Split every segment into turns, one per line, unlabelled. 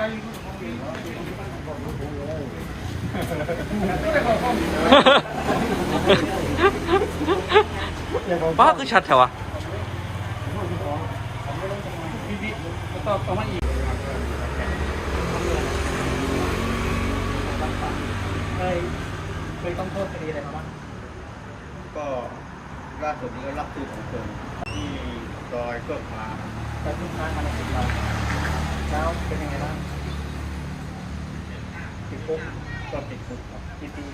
ป้าคือชัดแถวะ
ต่อมาอีกเคยต้องโทษคดีอะไรมาบ้าง
ก็ล่าสุดนี้ก็รับซื้อของคนที่ซอยเกิดมา
แต่ทุกครั้งมาในสิบเราแล้วเป็นยังไงบ้างติดคุก
ก็ติดคุกครับ
กี่ปี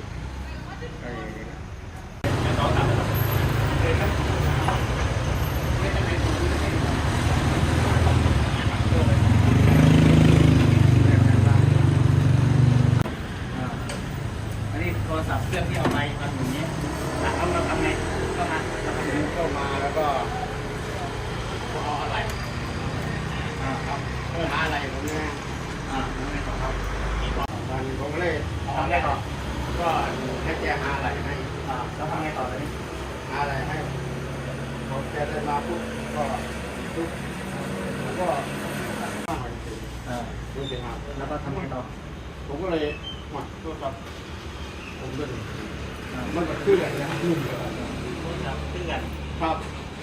อันนี้โทรศัพท์เครื่องที่เอาไปทำอย่างนี้เราทำไงเข้ามา
แล้วก็เอาอะไรครับหาอะไรผมเนี่ย
แล้วไงต่อครับ
ผมก็เลย
ทำไงต่อ
ก็ให้แกหาอะไรให้
แล้วทำไงต่อเลย
หาอะไรให้ผมแกเดินมาปุ๊บก็ปุ๊บแล้วก็
แล้วก็ทำไงต่อ
ผมก็เลยหมดตัวครับผมก็มันก็ขึ้นเลยนะขึ้นเลย
ขึ้นกัน
ครับ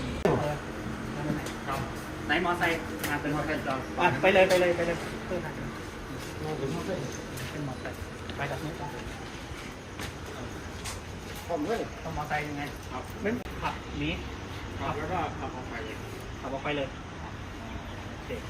ไหนมอไซค์เป็นมอไซค์จอดไปเลยเพื่อน
เป็นมอไซค์
ไปจากนี้
ผมเลย
ต้องมอไซค์ยังไง
ครับ
เป็นขับหนี
ขับแล้วก็ขับออกไปเลย
โอเค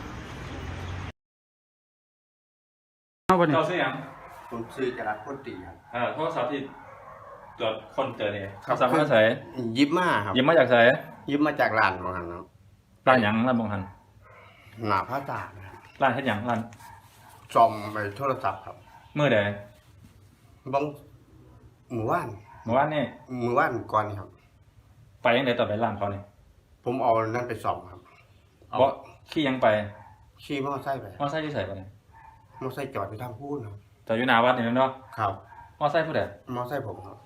เจ้าเสียง
ผมซื้อจรัสคนตีครับ
โทรศัพท์ที่ตรวจคนเจอเนี่ยโทรศัพท์มาใส่
ยิบมาครับ
ยิบมาจากใส่
ยิบมาจากร้านบางหันครับ
ร้านหยังร้านบางหัน
หน้าพระตา
ร้านเฮ็ดหยังร้าน
ซ่อมไปโทรศัพท์ครับ
เมื่อใด
บางหมู่บ้าน
เมื่อวานนี่
หมู่บ้านก่อนครับ
ไปยังไงต่อไปร้านเขาเนี่ย
ผมเอานั่นไปซ่อมครับ
เพราะขี่ยังไป
ขี่มอไซค์ไป
มอไซค์ที่ใส่ไปเนี่ย
มอไซค์จอดไปทางพูดครับ
จอดอยู่หน้าวัดนี่เนาะ
ครับ
มอไซค์ผู้ใด
มอไซค์ผมครับ